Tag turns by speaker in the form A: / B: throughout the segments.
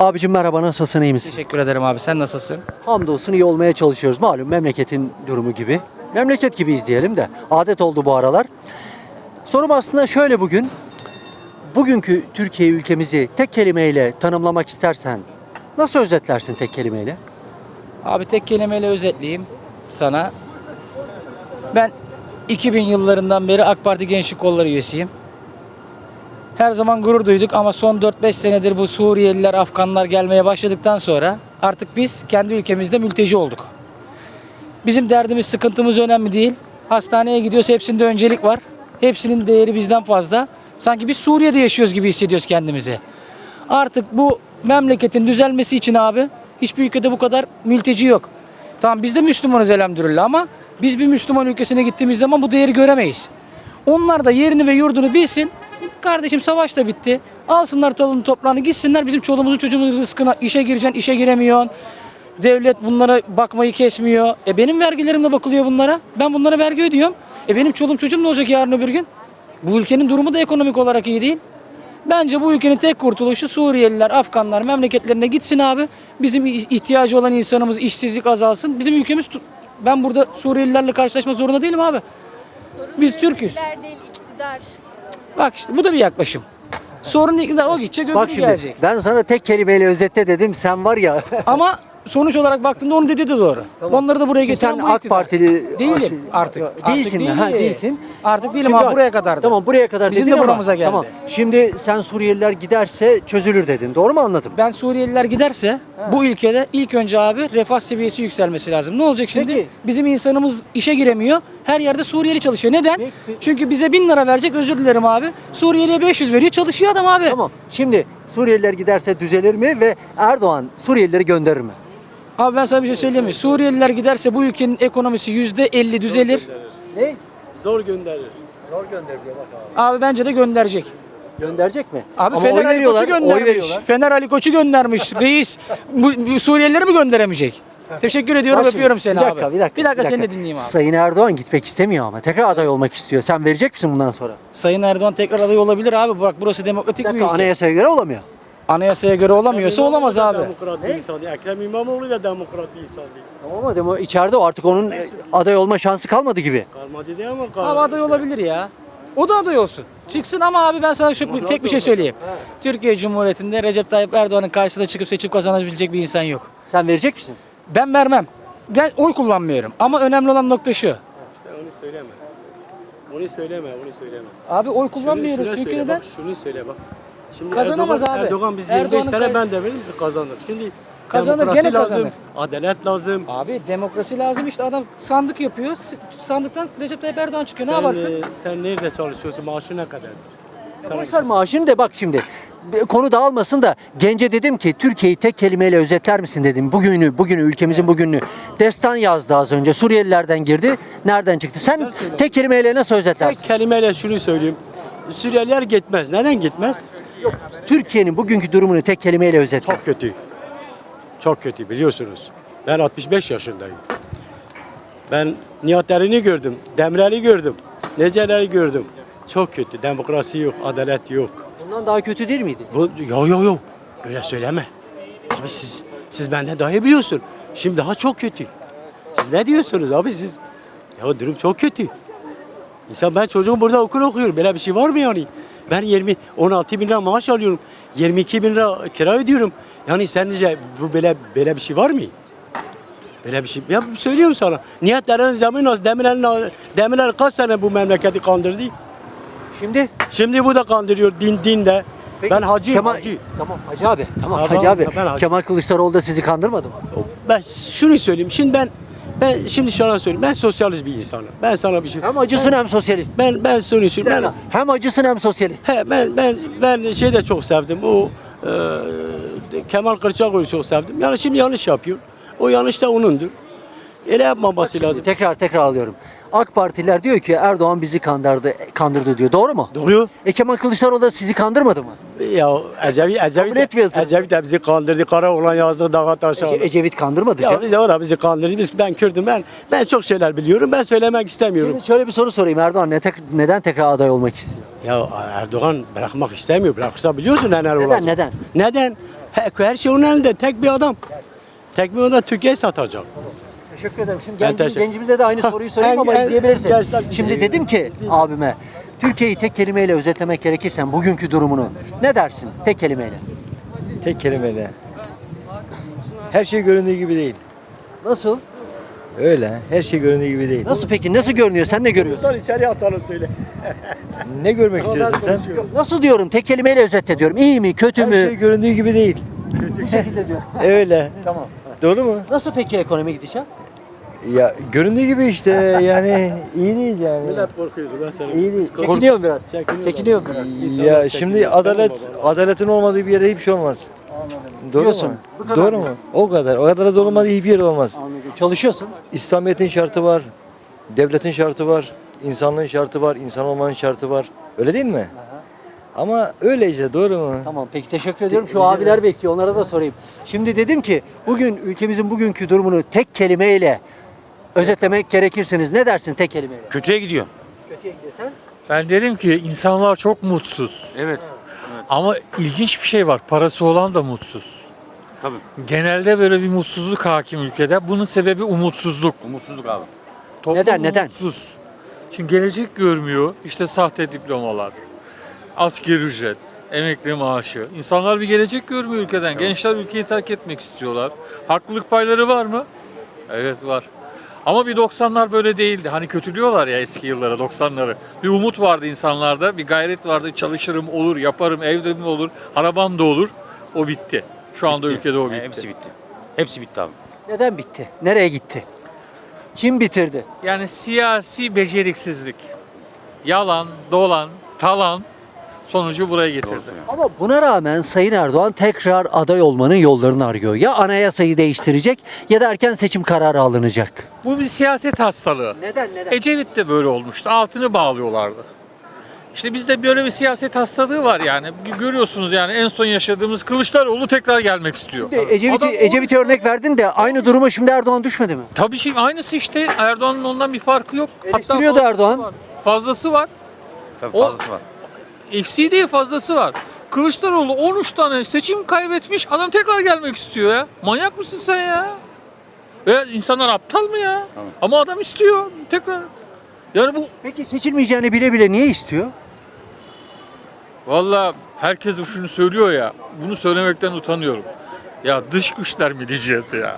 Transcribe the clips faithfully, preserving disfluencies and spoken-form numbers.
A: Abicim merhaba, nasılsın, iyi misin?
B: Teşekkür ederim abi. Sen nasılsın?
A: Hamdolsun iyi olmaya çalışıyoruz. Malum memleketin durumu gibi. Memleket gibiyiz diyelim de. Adet oldu bu aralar. Sorum aslında şöyle bugün. Bugünkü Türkiye ülkemizi tek kelimeyle tanımlamak istersen nasıl özetlersin tek kelimeyle?
B: Abi tek kelimeyle özetleyeyim sana. Ben iki bin yıllarından beri AK Parti Gençlik Kolları üyesiyim. Her zaman gurur duyduk ama son dört beş senedir bu Suriyeliler, Afganlar gelmeye başladıktan sonra artık biz kendi ülkemizde mülteci olduk. Bizim derdimiz, sıkıntımız önemli değil. Hastaneye gidiyoruz, hepsinde öncelik var. Hepsinin değeri bizden fazla. Sanki biz Suriye'de yaşıyoruz gibi hissediyoruz kendimizi. Artık bu memleketin düzelmesi için abi hiçbir ülkede bu kadar mülteci yok. Tamam biz de Müslümanız elhamdülillah ama biz bir Müslüman ülkesine gittiğimiz zaman bu değeri göremeyiz. Onlar da yerini ve yurdunu bilsin. Kardeşim savaş da bitti. Alsınlar talını toprağını gitsinler, bizim çoluğumuzun çocuğumuzun rızkına, işe gireceksin, işe giremiyorsun. Devlet bunlara bakmayı kesmiyor. E benim vergilerimle bakılıyor bunlara. Ben bunlara vergi ödüyorum. E benim çoluğum çocuğum ne olacak yarın öbür gün? Bu ülkenin durumu da ekonomik olarak iyi değil. Bence bu ülkenin tek kurtuluşu Suriyeliler, Afganlar memleketlerine gitsin abi. Bizim ihtiyacı olan insanımız, işsizlik azalsın. Bizim ülkemiz, ben burada Suriyelilerle karşılaşma zorunda değilim abi. Biz Türk'üz.
C: Değil, iktidar.
B: Bak işte bu da bir yaklaşım. Sorun iktidar, o gidecek, öbürü
A: Bak şimdi
B: gelecek.
A: ben sana tek kelimeyle özetle dedim, sen var ya.
B: Ama sonuç olarak baktığında onu dedi de doğru. Onları da buraya
A: Şimdi
B: getiren
A: sen
B: bu
A: AK
B: iktidar.
A: Partili
B: Değilim artık.
A: Değilsin mi?
B: Artık
A: Ha,
B: değilim.
A: değilsin.
B: Artık değilim
A: Şimdi
B: abi,
A: bak,
B: buraya kadardı.
A: Tamam buraya kadar
B: Bizim
A: dedin
B: de
A: ama,
B: buramıza geldi.
A: Tamam. Şimdi sen Suriyeliler giderse çözülür dedin. Doğru mu anladım?
B: Ben Suriyeliler giderse bu ülkede ilk önce abi refah seviyesi yükselmesi lazım. Ne olacak şimdi?
A: Peki.
B: Bizim insanımız işe giremiyor. Her yerde Suriyeli çalışıyor. Neden?
A: Peki, peki.
B: Çünkü bize bin lira verecek, özür dilerim abi. Suriyeliye beş yüz veriyor, çalışıyor adam abi.
A: Tamam. Şimdi Suriyeliler giderse düzelir mi ve Erdoğan Suriyelileri gönderir mi?
B: Abi ben sana bir şey söyleyeyim mi? Suriyeliler giderse bu ülkenin ekonomisi yüzde elli düzelir.
A: Ne?
D: Zor gönderir.
A: Zor gönderiyor bak abi.
B: Abi bence de gönderecek.
A: Gönderecek mi?
B: Abi
A: Ama
B: Fener
A: oy
B: Ali
A: veriyorlar,
B: Koç'u
A: oy
B: göndermiş.
A: veriyorlar.
B: Fener Ali Koç'u göndermiş. Reis bu, bu Suriyelileri mi gönderemeyecek? Teşekkür ediyorum,
A: Bak şimdi,
B: öpüyorum seni
A: bir dakika,
B: abi.
A: Bir dakika,
B: bir dakika seni de dinleyeyim abi.
A: Sayın Erdoğan gitmek istemiyor ama tekrar aday olmak istiyor. Sen verecek misin bundan sonra?
B: Sayın Erdoğan tekrar aday olabilir abi. Bak burası demokratik
A: Bir
B: bir
A: dakika,
B: ülke.
A: anayasaya göre olamıyor.
B: Anayasaya göre olamıyorsa
D: İmamoğlu
B: olamaz
D: da
B: abi.
D: Demokrat bir insan değil. Ekrem İmamoğlu da demokrat bir insan değil.
A: Tamam ama demo içeride o artık onun e, aday olma şansı kalmadı gibi.
D: Kalmadı değil ama kalmadı.
B: Abi aday olabilir ya. O da aday olsun. Çıksın ama abi ben sana şu, tek bir şey söyleyeyim. Türkiye Cumhuriyeti'nde Recep Tayyip Erdoğan'ın karşısına çıkıp seçip kazanabilecek bir insan yok.
A: Sen verecek misin?
B: Ben vermem. Ben oy kullanmıyorum. Ama önemli olan nokta şu.
D: İşte onu söyleme. Onu söyleme, onu söyleme.
B: Abi oy
D: Şunu-
B: kullanmıyoruz.
D: şunu
B: Çünkü
D: söyle,
B: neden?
D: bak, şunu söyle bak. Şimdi
B: Kazanamaz
D: Erdoğan,
B: abi.
D: Erdoğan biz yirmi beş
B: Erdoğan'ın
D: sene
B: kay-
D: ben de benim kazanır. Şimdi
B: Kazanır,
D: demokrasi
B: gene
D: lazım,
B: kazanır.
D: adalet lazım.
B: Abi demokrasi lazım işte, adam sandık yapıyor. S- Sandıktan Recep Tayyip Erdoğan çıkıyor. Ne
D: Sen,
B: yaparsın?
D: e, sen nerede çalışıyorsun? Maaşı ne kadar?
A: Boş ver maaşını da bak şimdi. Bir konu dağılmasın da gence dedim ki Türkiye'yi tek kelimeyle özetler misin dedim. Bugünü, bugünü ülkemizin bugününü. Destan yazdı az önce. Suriyelilerden girdi. Nereden çıktı? Sen
D: söyle.
A: tek kelimeyle nasıl özetlersin?
D: Tek kelimeyle şunu söyleyeyim. Suriyeliler gitmez. Neden gitmez?
A: Türkiye'nin bugünkü durumunu tek kelimeyle özetle.
D: Çok kötü. Çok kötü biliyorsunuz. Ben altmış beş yaşındayım. Ben Nihat Eren'i gördüm, Demirel'i gördüm, Neceler'i gördüm. Çok kötü. Demokrasi yok, adalet yok.
A: Bundan daha kötü değil miydi?
D: Bu yo yo yo. Öyle söyleme. Abi siz siz benden daha iyi biliyorsun. Şimdi daha çok kötü. Siz ne diyorsunuz abi siz? Ya durum çok kötü. İnsan ben çocuğum burada okul okuyorum. Böyle bir şey var mı yani? Ben yirmi on altı bin lira maaş alıyorum. yirmi iki bin lira kira ödüyorum. Yani sence bu böyle böyle bir şey var mı? Böyle bir şey. Ya söylüyorum sana. Nihat Eren zamanı Demirel Demirel kaç sene bu memleketi kandırdı?
A: Şimdi
D: Şimdi bu da kandırıyor din dinle.
A: Peki,
D: Ben hacıyım
A: Kemal,
D: hacı.
A: Tamam Hacı abi. Tamam
D: Tamam,
A: Hacı abi.
D: ben hacı.
A: Kemal Kılıçdaroğlu da sizi kandırmadı mı?
D: Ben şunu söyleyeyim. Şimdi ben ben şimdi şuna söyleyeyim. Ben sosyalist bir insanım. Ben sana bir şey.
A: Hem acısın hem sosyalist.
D: Ben ben şunu söyleyeyim. Ben,
A: Hem acısın hem sosyalist.
D: he, ben ben ben şey de çok sevdim. O e, Kemal Kılıçdaroğlu'yu çok sevdim. Yani şimdi yanlış yapıyor. O yanlış da onundur. Öyle yapmaması
A: Şimdi
D: lazım.
A: tekrar tekrar alıyorum. AK Partiler diyor ki Erdoğan bizi kandırdı, kandırdı diyor. Doğru mu?
D: Doğru.
A: E Kemal Kılıçdaroğlu da sizi kandırmadı mı?
D: Ya Ecevi Ecevi
A: Kabul
D: de,
A: etmiyorsun.
D: Ecevi de bizi kandırdı. Kara olan yazdı dağa taşa.
A: Ece- Ecevit kandırmadı.
D: Ya
A: Şey-
D: bize o da bizi kandırdı. Biz ben Kürdüm. Ben ben çok şeyler biliyorum. Ben söylemek istemiyorum.
A: Şimdi şöyle bir soru sorayım. Erdoğan ne tek- neden tekrar aday olmak istiyor?
D: Ya Erdoğan bırakmak istemiyor. Bırakırsa biliyorsun neler olacak.
A: Neden? Neden?
D: Neden? Her, her şey onun elinde. Tek bir adam. Tek bir adam Türkiye'yi satacak.
A: Teşekkür ederim. Şimdi
D: Ben
A: gencim,
D: teşekkür-
A: gencimize de aynı soruyu sorayım
D: En-
A: ama
D: en-
A: izleyebilirsin.
D: gençler-
A: Şimdi dedim ki abime, Türkiye'yi tek kelimeyle özetlemek gerekirse bugünkü durumunu ne dersin tek kelimeyle?
C: Tek kelimeyle. Her şey göründüğü gibi değil.
A: Nasıl?
C: Öyle. Her şey göründüğü gibi değil.
A: Nasıl peki? Nasıl görünüyor? Sen ne görüyorsun?
D: Sen içeriye atalım söyle.
C: Ne görmek istiyorsun sen?
A: Yok, nasıl diyorum? Tek kelimeyle özetle diyorum. İyi mi, kötü
C: Her
A: mü?
C: şey göründüğü gibi değil.
A: Bu şekilde diyorum.
C: Öyle.
A: Tamam.
C: Doğru mu?
A: Nasıl peki ekonomi gidişat?
C: Ya göründüğü gibi işte yani iyi değil yani.
D: Millet korkuyordu ben sana.
C: İyi değil.
A: Çekiniyorum biraz.
D: Çekiniyor
A: Çekiniyorum biraz.
D: İnsanlar
C: Ya
D: çekiniyor.
C: şimdi adalet
D: Tamam baba.
C: adaletin olmadığı bir yerde hiçbir şey olmaz. Doğru
A: Diyorsun.
C: mu?
A: Bu kadar
C: Doğru mu?
A: diyorsun.
C: O kadar. O kadar da olmadığı hiçbir yer olmaz.
A: Anladım. Çalışıyorsun.
C: İslamiyet'in şartı var. Devletin şartı var. İnsanlığın şartı var. İnsan olmanın şartı var. Öyle değil mi? Ama öyle işte doğru mu?
A: Tamam peki teşekkür ediyorum. Şu
C: rica
A: abiler bekliyor. Onlara da sorayım. Şimdi dedim ki bugün ülkemizin bugünkü durumunu tek kelimeyle özetlemek gerekirseniz ne dersin tek kelimeyle?
E: Kötüye gidiyor.
A: Kötüye gidiyorsan?
F: Ben derim ki insanlar çok mutsuz.
E: Evet.
F: Ama ilginç bir şey var. Parası olan da mutsuz.
E: Tabii.
F: Genelde böyle bir mutsuzluk hakim ülkede. Bunun sebebi umutsuzluk.
E: Umutsuzluk abi.
F: Toplum
A: Neden, neden?
F: Umutsuz. Şimdi gelecek görmüyor. İşte sahte diplomalar, asgari ücret, emekli maaşı. İnsanlar bir gelecek görmüyor ülkeden. Gençler ülkeyi terk etmek istiyorlar. Haklılık payları var mı? Evet var. Ama bir doksanlar böyle değildi. Hani kötülüyorlar ya eski yıllara, doksanları. Bir umut vardı insanlarda, bir gayret vardı. Çalışırım, olur, yaparım, evde olur, arabam da olur. O bitti. Şu anda
E: Bitti.
F: ülkede o
E: He,
F: bitti.
E: hepsi bitti. Hepsi bitti abi.
A: Neden bitti? Nereye gitti? Kim bitirdi?
F: Yani siyasi beceriksizlik. Yalan, dolan, talan sonucu buraya getirdi.
E: Doğru söylüyorsun.
A: Ama buna rağmen Sayın Erdoğan tekrar aday olmanın yollarını arıyor. Ya anayasayı değiştirecek ya da erken seçim kararı alınacak.
F: Bu bir siyaset hastalığı.
A: Neden neden?
F: Ecevit de böyle olmuştu. Altını bağlıyorlardı. İşte bizde böyle bir siyaset hastalığı var yani. Görüyorsunuz yani en son yaşadığımız Kılıçdaroğlu tekrar gelmek istiyor.
A: Ecevit'i
F: Adam
A: Ecevit'e
F: on-
A: örnek verdin de aynı duruma şimdi Erdoğan düşmedi mi?
F: Tabii şey aynısı işte. Erdoğan'ın ondan bir farkı yok.
A: Eleştiriyordu
F: fazlası
A: Erdoğan.
F: var. Fazlası var.
E: Tabii
F: O-
E: fazlası var.
F: Eksiği değil fazlası var. Kılıçdaroğlu on üç tane seçim kaybetmiş. Adam tekrar gelmek istiyor ya. Manyak mısın sen ya? Ve insanlar aptal mı ya?
E: Tamam.
F: Ama adam istiyor tekrar. Yani bu
A: Peki seçilmeyeceğini bile bile niye istiyor?
F: Valla herkes şunu söylüyor ya, bunu söylemekten utanıyorum. Ya dış güçler mi diyeceğiz ya?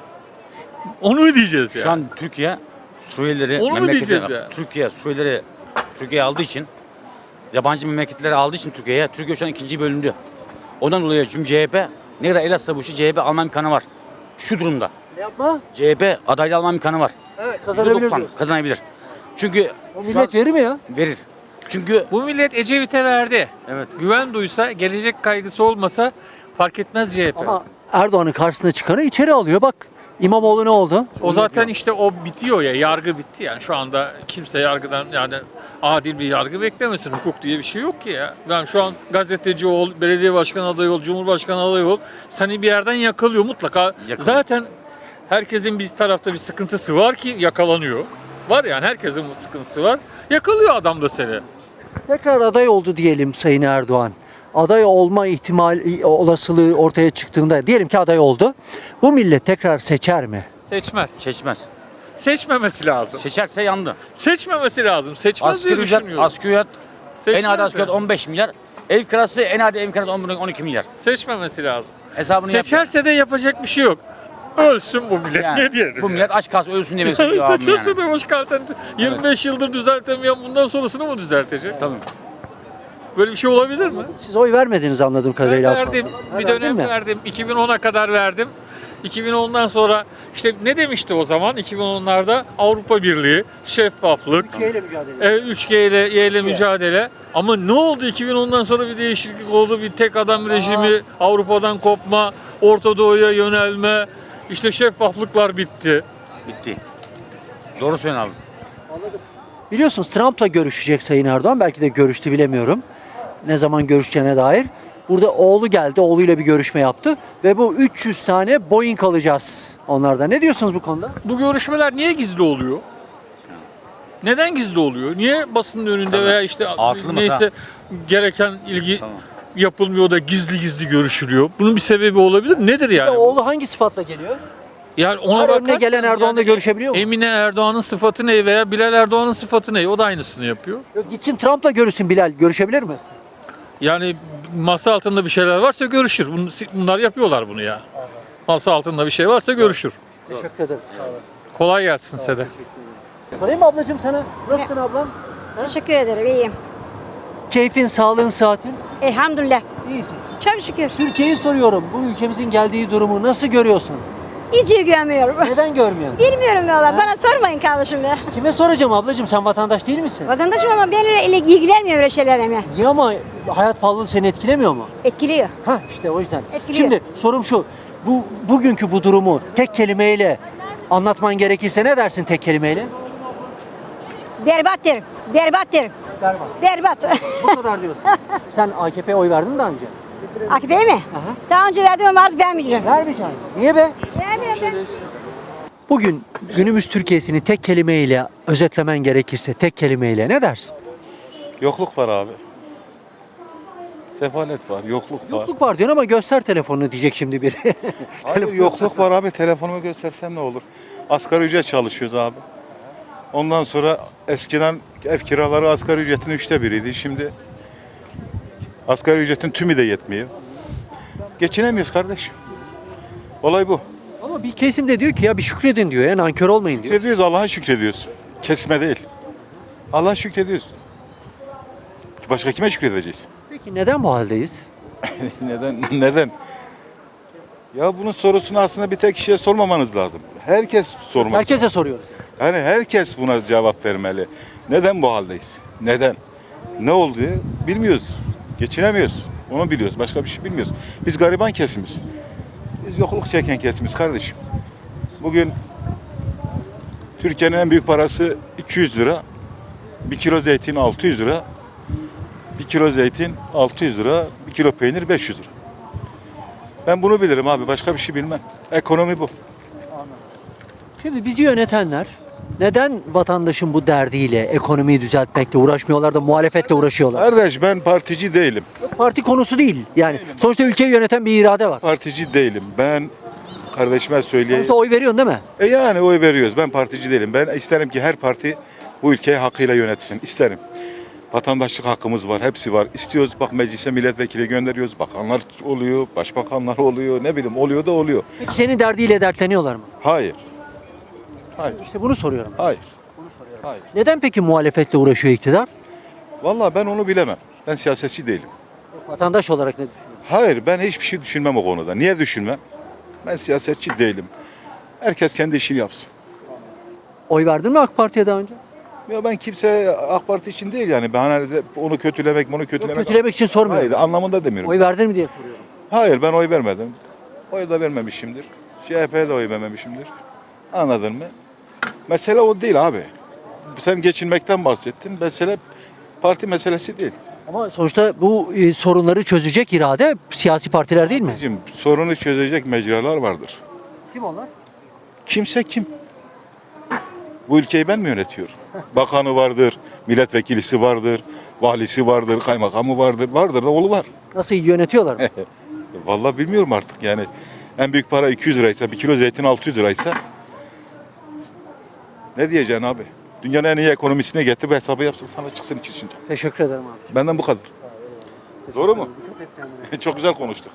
F: Onu mu diyeceğiz ya?
E: Şu an Türkiye Suriyelileri
F: Onu mu
E: memleketine-
F: diyeceğiz ya?
E: Türkiye Suriyelileri Türkiye'ye aldığı için yabancı memleketleri aldığı için Türkiye'ye Türkiye şu an ikinci bölündü. Ondan dolayı çünkü C H P ne kadar el atsa bu işi C H P alma imkanı var. Şu durumda
A: Ne yapma?
E: C H P adaylı alma imkanı var.
A: Evet
E: yüzde
A: kazanabilir
E: doksan
A: diyorsun.
E: kazanabilir. Çünkü
A: O
E: şu
A: millet
E: an
A: verir mi ya?
E: verir. Çünkü
F: Bu millet Ecevit'e verdi.
E: evet
F: Güven duysa, gelecek kaygısı olmasa fark etmez C H P.
A: Ama Erdoğan'ın karşısına çıkanı içeri alıyor bak. İmamoğlu ne oldu?
F: o zaten işte o bitiyor ya, yargı bitti yani. Şu anda kimse yargıdan yani adil bir yargı beklemesin. Hukuk diye bir şey yok ki ya. Ben şu an gazeteci ol, belediye başkanı adayı ol, cumhurbaşkanı adayı ol. Seni bir yerden yakalıyor mutlaka.
E: Yakalıyor.
F: Zaten herkesin bir tarafta bir sıkıntısı var ki yakalanıyor. Var yani herkesin bu sıkıntısı var. Yakalıyor adam da seni.
A: Tekrar aday oldu diyelim Sayın Erdoğan. Aday olma ihtimali olasılığı ortaya çıktığında diyelim ki aday oldu. Bu millet tekrar seçer mi?
F: Seçmez.
E: seçmez.
F: Seçmemesi lazım.
E: Seçerse yandı.
F: Seçmemesi lazım. Seçmez
E: Asgari
F: diye
E: ücret,
F: düşünüyorum.
E: asgari ücret en
F: Seçmez
E: adi asgari ücret
F: yani.
E: on beş milyar. Ev kirası en adi ev kirası on iki milyar.
F: Seçmemesi lazım.
E: Hesabını yap.
F: Seçerse de yapacak bir şey yok. Ölsün bu millet.
E: Yani
F: Ne diyelim?
E: Bu millet aç kalsın ölsün demek
F: yani
E: istiyor abim
F: seçerse
E: yani.
F: de hoş kalten yirmi beş yıldır düzeltemeyen bundan sonrasını mı düzeltecek?
E: Tabii.
F: Böyle bir şey olabilir mi?
A: Siz oy vermediniz anladığım
F: Ben
A: kadarıyla.
F: verdim.
A: Ha,
F: Bir
A: verdin
F: dönem
A: mi?
F: verdim. iki bin ona kadar verdim. iki bin ondan sonra işte ne demişti o zaman? iki bin onlarda Avrupa Birliği, şeffaflık,
A: Türkiye'yle mücadele.
F: e, üç G ile, Y ile mücadele. Ama ne oldu? iki bin ondan sonra bir değişiklik oldu. Bir tek adam rejimi, Avrupa'dan kopma, Orta Doğu'ya yönelme, işte şeffaflıklar bitti.
E: Bitti. Doğru söylüyorsun abi.
A: Biliyorsunuz Trump'la görüşecek Sayın Erdoğan. Belki de görüştü bilemiyorum. Ne zaman görüşeceğine dair. Burada oğlu geldi. Oğluyla bir görüşme yaptı. Ve bu üç yüz tane Boeing alacağız onlardan. Ne diyorsunuz bu konuda?
F: Bu görüşmeler niye gizli oluyor? Neden gizli oluyor? Niye basının önünde
E: Tabii.
F: veya işte
E: Altılı masa.
F: neyse gereken ilgi
E: Tamam.
F: yapılmıyor da gizli gizli görüşülüyor? Bunun bir sebebi olabilir mi? Nedir
A: Bir de
F: yani?
A: oğlu hangi sıfatla geliyor?
F: Yani ona
A: Her önüne
F: bakarsan
A: gelen Erdoğan'la
F: yani
A: görüşebiliyor mu?
F: Emine Erdoğan'ın sıfatı ne veya Bilal Erdoğan'ın sıfatı ne? O da aynısını yapıyor.
A: Yok, gitsin Trump'la görüşsün Bilal. Görüşebilir mi?
F: Yani masa altında bir şeyler varsa görüşür. Bunu- Bunlar yapıyorlar bunu ya. Masa altında bir şey varsa görüşür.
A: Teşekkür ederim. Sağ olasın.
F: Kolay gelsin size de.
A: Sorayım mı ablacığım sana? Nasılsın ablam?
G: Teşekkür ederim, iyiyim.
A: Keyfin, sağlığın, saatin?
G: Elhamdülillah.
A: İyisin.
G: Çok şükür.
A: Türkiye'yi soruyorum. Bu ülkemizin geldiği durumu nasıl görüyorsun?
G: Hiç ilgilenmiyorum.
A: Neden görmüyorsun?
G: Bilmiyorum valla.
A: Ha?
G: Bana sormayın kardeşim ya.
A: Kime soracağım ablacığım? Sen vatandaş değil misin?
G: Vatandaşım ama benimle ilgilenmiyor öyle şeylerle.
A: Niye ama hayat pahalılığı seni etkilemiyor mu?
G: Etkiliyor.
A: Ha işte o yüzden.
G: Etkiliyor.
A: Şimdi sorum şu. Bu bugünkü bu durumu tek kelimeyle anlatman gerekirse ne dersin tek kelimeyle?
G: Berbat derim. Berbat derim.
A: Berbat.
G: Berbat.
A: Bu kadar diyorsun. Sen A K P'ye oy verdin mi daha önce?
G: A K P'ye mi?
A: Aha.
G: Daha önce verdim ama artık vermeyeceğim.
A: Vermeyeceksin. Niye be?
G: Vermiyorum ben.
A: Bugün günümüz Türkiye'sini tek kelimeyle özetlemen gerekirse tek kelimeyle ne dersin?
H: Yokluk var abi. Sefalet var, yokluk var.
A: Yokluk var diyorsun ama göster telefonunu diyecek şimdi biri.
H: Hayır, yokluk var abi. Telefonumu göstersem ne olur? Asgari ücret çalışıyoruz abi. Ondan sonra eskiden ev kiraları asgari ücretin üçte biriydi. Şimdi asgari ücretin tümü de yetmiyor. Geçinemiyoruz kardeşim. Olay bu.
A: Ama bir kesim de diyor ki ya bir şükredin diyor ya nankör olmayın diyor.
H: Şükrediyoruz, Allah'a şükrediyoruz. Kesme değil. Allah'a şükrediyoruz. Başka kime şükredeceğiz?
A: Peki neden bu haldeyiz?
H: Neden? Neden? Ya bunun sorusunu aslında bir tek kişiye sormamanız lazım. Herkes sormak.
A: Herkese soruyoruz.
H: Yani herkes buna cevap vermeli. Neden bu haldeyiz? Neden? Ne oldu? Bilmiyoruz. Geçinemiyoruz. Onu biliyoruz. Başka bir şey bilmiyoruz. Biz gariban kesimiz. Biz yokluk çeken kesimiz kardeşim. Bugün Türkiye'nin en büyük parası iki yüz lira. Bir kilo zeytin altı yüz lira. Bir kilo zeytin altı yüz lira. Bir kilo peynir beş yüz lira. Ben bunu bilirim abi. Başka bir şey bilmem. Ekonomi bu.
A: Şimdi bizi yönetenler neden vatandaşın bu derdiyle ekonomiyi düzeltmekle uğraşmıyorlar da muhalefetle uğraşıyorlar?
H: Kardeş ben partici değilim.
A: Parti konusu değil. Yani sonuçta ülkeyi yöneten bir irade var.
H: Partici değilim. Ben kardeşime söyleyeyim.
A: Sonuçta oy veriyorsun değil mi?
H: E yani oy veriyoruz. Ben partici değilim. Ben isterim ki her parti bu ülkeyi hakkıyla yönetsin. İsterim. Vatandaşlık hakkımız var. Hepsi var. İstiyoruz. Bak meclise milletvekili gönderiyoruz. Bakanlar oluyor. Başbakanlar oluyor. Ne bileyim oluyor da oluyor.
A: Peki senin derdiyle dertleniyorlar mı?
H: Hayır. Hayır.
A: İşte bunu soruyorum.
H: Hayır. Hayır.
A: Neden peki muhalefetle uğraşıyor iktidar?
H: Vallahi ben onu bilemem. Ben siyasetçi değilim.
A: Vatandaş olarak ne düşünüyorsun?
H: Hayır ben hiçbir şey düşünmem o konuda. Niye düşünmem? Ben siyasetçi değilim. Herkes kendi işini yapsın.
A: Oy verdin mi AK Parti'ye daha önce?
H: Ya ben kimse AK Parti için değil yani. Ben hani de onu kötülemek, bunu
A: Yok,
H: kötülemek.
A: kötülemek için sormuyorum.
H: Hayır anlamında demiyorum.
A: Oy verdin mi diye soruyorum.
H: Hayır ben oy vermedim. Oy da vermemişimdir. C H P'ye de oy vermemişimdir. Anladın mı? Mesele o değil abi. Sen geçinmekten bahsettin. Mesele parti meselesi değil.
A: Ama sonuçta bu e, sorunları çözecek irade siyasi partiler değil mi?
H: Bizim sorunu çözecek mecralar vardır.
A: Kim onlar?
H: Kimse kim? Bu ülkeyi ben mi yönetiyorum? Bakanı vardır, milletvekilisi vardır, valisi vardır, kaymakamı vardır. Vardır da oğlu var.
A: Nasıl yönetiyorlar mı?
H: Vallahi bilmiyorum artık yani. En büyük para iki yüz liraysa, bir kilo zeytin altı yüz liraysa ne diyeceksin abi? Dünyanın en iyi ekonomisine getir bir hesabı yapsın sana çıksın iki içince.
A: Teşekkür ederim abi.
H: Benden bu kadar. Doğru mu? Çok güzel konuştuk.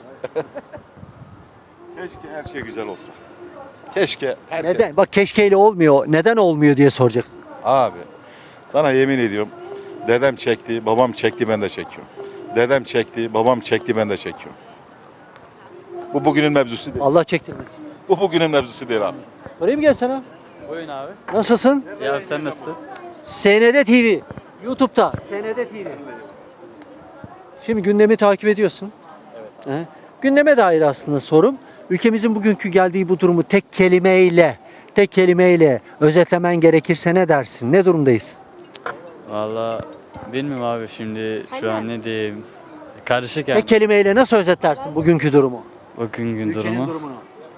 H: Keşke her şey güzel olsa. Keşke her şey.
A: Neden? Bak keşkeyle olmuyor. Neden olmuyor diye soracaksın.
H: Abi sana yemin ediyorum dedem çekti, babam çekti ben de çekiyorum. Dedem çekti, babam çekti ben de çekiyorum. Bu bugünün mevzusu değil.
A: Allah çektirmesin.
H: Bu bugünün mevzusu değil abi.
A: Sorayım gel sana.
I: Buyurun abi.
A: Nasılsın?
I: Ya sen nasılsın?
A: S N D T V. YouTube'da. S N D T V. Şimdi gündemi takip ediyorsun. Evet. Gündeme dair aslında sorum. Ülkemizin bugünkü geldiği bu durumu tek kelimeyle, tek kelimeyle özetlemen gerekirse ne dersin? Ne durumdayız?
I: Valla bilmiyorum abi şimdi şu an ne diyeyim. Karışık yani
A: Tek kelimeyle nasıl özetlersin bugünkü durumu?
I: bugün gün
A: Ülkenin
I: durumu.
A: durumunu.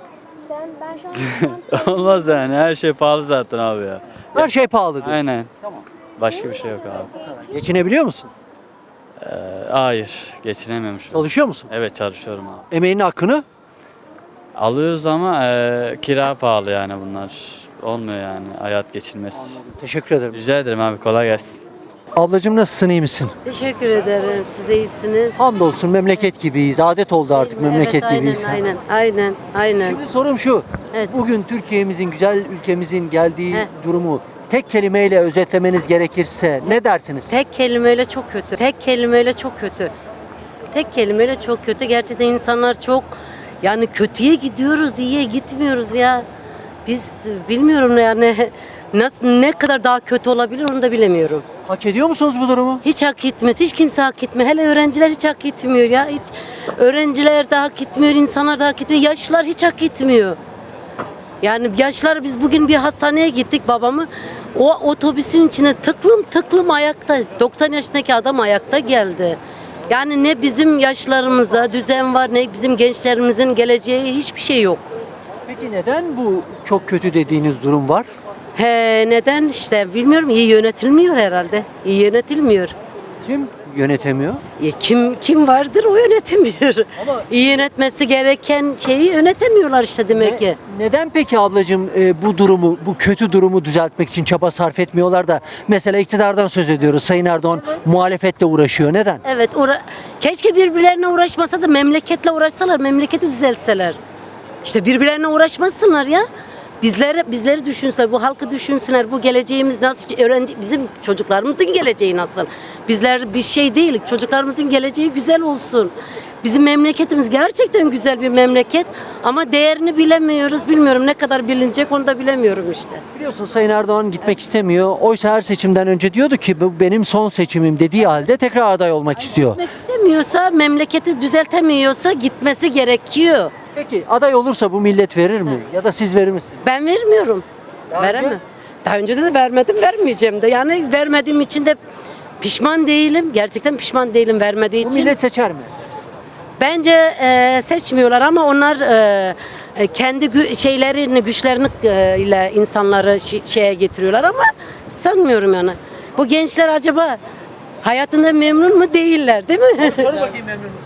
I: Olmaz yani her şey pahalı zaten abi ya.
A: Her şey pahalı diyor.
I: Aynen.
A: Tamam.
I: Başka bir şey yok abi.
A: Geçinebiliyor musun?
I: Ee, hayır, geçinemiyorum şu an.
A: Çalışıyor musun?
I: Evet, çalışıyorum abi.
A: Emeğinin hakkını
I: Alıyoruz ama e, kira pahalı yani bunlar. Olmuyor yani hayat geçilmez.
A: teşekkür ederim.
I: Rica ederim abi, kolay gelsin.
A: Ablacığım nasılsın, iyi misin?
J: Teşekkür ederim. Siz de iyisiniz.
A: Hamdolsun memleket gibiyiz. Adet oldu artık memleket
J: evet,
A: gibiyiz.
J: Aynen, aynen, aynen, aynen.
A: Şimdi sorum şu.
J: Evet.
A: Bugün Türkiye'mizin, güzel ülkemizin geldiği
J: Heh.
A: durumu tek kelimeyle özetlemeniz gerekirse ne dersiniz?
J: Tek kelimeyle çok kötü. Tek kelimeyle çok kötü. Tek kelimeyle çok kötü. Gerçekten insanlar çok, yani kötüye gidiyoruz, iyiye gitmiyoruz ya. Biz bilmiyorum yani nasıl, ne kadar daha kötü olabilir onu da bilemiyorum.
A: Hak ediyor musunuz bu durumu?
J: Hiç hak etmez. Hiç kimse hak etmiyor. Hele öğrenciler hiç hak etmiyor ya. Hiç öğrenciler de hak etmiyor, insanlar da hak etmiyor. Yaşlılar hiç hak etmiyor. Yani yaşlar, biz bugün bir hastaneye gittik babamı. O otobüsün içine tıklım tıklım ayakta. doksan yaşındaki adam ayakta geldi. Yani ne bizim yaşlarımıza düzen var, ne bizim gençlerimizin geleceği, hiçbir şey yok.
A: Peki neden bu çok kötü dediğiniz durum var?
J: He, neden işte bilmiyorum, iyi yönetilmiyor herhalde. İyi yönetilmiyor.
A: Kim yönetemiyor?
J: Ya kim kim vardır o yönetemiyor.
A: Ama-
J: İyi yönetmesi gereken şeyi yönetemiyorlar işte demek
A: Ne-
J: ki.
A: neden peki ablacığım e, bu durumu, bu kötü durumu düzeltmek için çaba sarf etmiyorlar da mesela iktidardan söz ediyoruz. Sayın Erdoğan muhalefetle uğraşıyor. Neden?
J: Evet, uğra- keşke birbirlerine uğraşmasa da memleketle uğraşsalar, memleketi düzeltseler. İşte birbirlerine uğraşmasınlar ya. Bizleri bizleri düşünsünler, bu halkı düşünsünler. Bu geleceğimiz nasıl, öğrenci bizim çocuklarımızın geleceği nasıl? Bizler bir şey değil. Çocuklarımızın geleceği güzel olsun. Bizim memleketimiz gerçekten güzel bir memleket ama değerini bilemiyoruz. Bilmiyorum ne kadar bilinecek, onu da bilemiyorum işte.
A: Biliyorsun Sayın Erdoğan gitmek istemiyor. Oysa her seçimden önce diyordu ki bu benim son seçimim dediği halde tekrar aday olmak istiyor.
J: Gitmek istemiyorsa, memleketi düzeltemiyorsa gitmesi gerekiyor.
A: Peki aday olursa bu millet verir mi? Ya da siz verir misiniz?
J: Ben vermiyorum.
A: Daha
J: Veremem.
A: önce?
J: Daha önce de vermedim, vermeyeceğim de. Yani vermediğim için de pişman değilim. Gerçekten pişman değilim vermediği
A: Bu
J: için.
A: millet seçer mi?
J: Bence e, seçmiyorlar ama onlar e, e, kendi gü- şeylerini, güçlerini e, ile insanları şi- şeye getiriyorlar ama sanmıyorum yani. Bu gençler acaba hayatında memnun mu, değiller değil mi?
A: Sor bakayım memnun musun?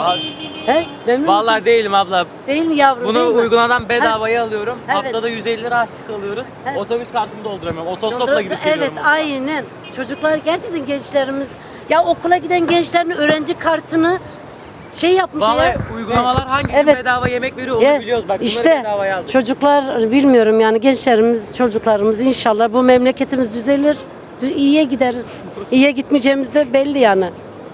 J: He? Memnun
K: Vallahi
J: musun?
K: değilim abla.
J: Değil mi yavrum?
K: Bunu
J: değil mi?
K: uygulanan bedavaya alıyorum.
J: Evet.
K: Haftada yüz elli lira harçlık alıyorum.
J: Evet.
K: Otobüs kartımı dolduramıyorum. Otostopla gidip
J: Evet,
K: geliyorum.
J: aynen. Çocuklar gerçekten, gençlerimiz ya okula giden gençlerin öğrenci kartını şey yapmış
K: Vallahi
J: ya.
K: uygulamalar hangisi
J: Evet.
K: bedava yemek veriyor onu
J: Ya,
K: biliyoruz. Bak bunları
J: işte
K: bedavaya aldık.
J: çocuklar bilmiyorum yani, gençlerimiz, çocuklarımız inşallah bu memleketimiz düzelir. dü- iyiye gideriz. İyiye gitmeyeceğimiz de belli yani.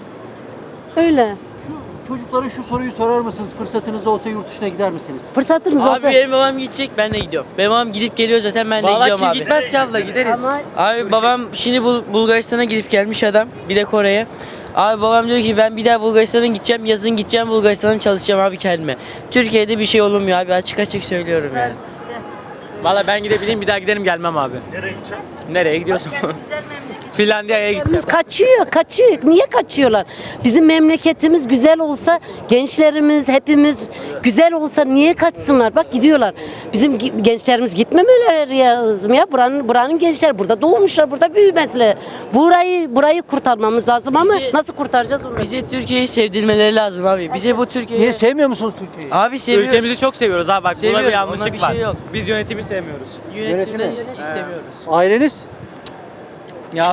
J: Öyle.
A: Şu çocuklara şu soruyu sorar mısınız? Fırsatınız olsa yurt dışına gider misiniz?
J: Fırsatınız olsa.
K: Abi benim babam gidecek, ben de gidiyorum. Benim babam gidip geliyor zaten, ben de
L: Vallahi
K: gidiyorum
L: kim
K: abi.
L: gitmez ki abla, gideriz.
J: Ama
K: Abi babam şimdi Bul- Bulgaristan'a gidip gelmiş adam. Bir de Kore'ye. Abi babam diyor ki ben bir daha Bulgaristan'a gideceğim. Yazın gideceğim Bulgaristan'a, çalışacağım abi kendime. Türkiye'de bir şey olmuyor abi, açık açık söylüyorum yani. Vallahi ben gidebileyim, bir daha giderim gelmem abi. Nereye gideceksin? Nereye gidiyorsun? Finlandiya'ya gideceğim.
J: Gençlerimiz kaçıyor, kaçıyor. Niye kaçıyorlar? Bizim memleketimiz güzel olsa, gençlerimiz hepimiz güzel olsa niye kaçsınlar? Bak gidiyorlar. Bizim gi- gençlerimiz gitmemeleri lazım ya. Buranın buranın gençler burada doğmuşlar, burada büyümesler. Burayı burayı kurtarmamız lazım ama
K: Bizi-
J: nasıl kurtaracağız onu?
K: Bize Türkiye'yi sevdirmeleri lazım abi. Bize bu Türkiye'yi...
A: Niye sevmiyor musunuz Türkiye'yi?
K: Abi seviyoruz.
L: Ülkemizi çok seviyoruz abi, bak burada
K: Seviyoruz,
L: bir
K: ona
L: yanlışlık
K: bir
L: var.
K: şey yok.
L: Biz yönetimi sevmiyoruz.
K: Yönetimden
A: Yönetimi.
K: hiç istemiyoruz.
A: Aileniz?
K: Ya.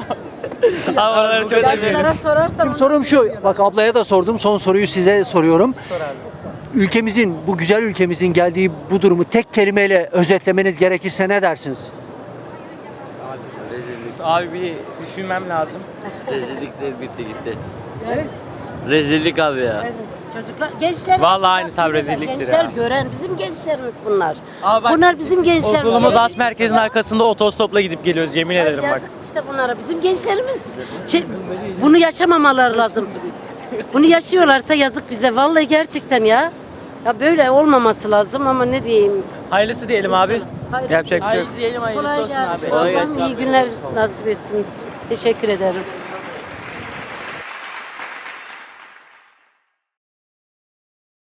K: Abi oraları çok
J: Yaşlara sorarsan
A: Şimdi sorum şu. Bak ablaya da sordum. Son soruyu size soruyorum. Ülkemizin, bu güzel ülkemizin geldiği bu durumu tek kelimeyle özetlemeniz gerekirse ne dersiniz?
L: Abi bir düşünmem lazım.
I: Rezillikler bitti gitti. Rezillik abi ya.
J: Evet, çocuklar, gençler.
L: Vallahi aynısı abi, rezilliktir
J: Gençler
L: ya.
J: gören, bizim gençlerimiz bunlar.
L: Abi bak,
J: Bunlar bizim gençler.
L: Okulumuz As Merkez'in arkasında otostopla gidip geliyoruz, yemin
J: Ay,
L: ederim bak.
J: yazık işte bunlara. Bizim gençlerimiz şey, bunu yaşamamaları lazım. Bunu yaşıyorlarsa yazık bize. Vallahi gerçekten ya. Ya böyle olmaması lazım ama ne diyeyim.
L: Hayırlısı diyelim abi.
J: Hayırlısı.
L: Yapacak bir şey yok.
K: Hayırlısı diyelim, hayırlısı
J: Kolay
K: olsun
J: gelsin.
K: abi.
J: Allah'ım iyi günler nasip etsin. Teşekkür ederim.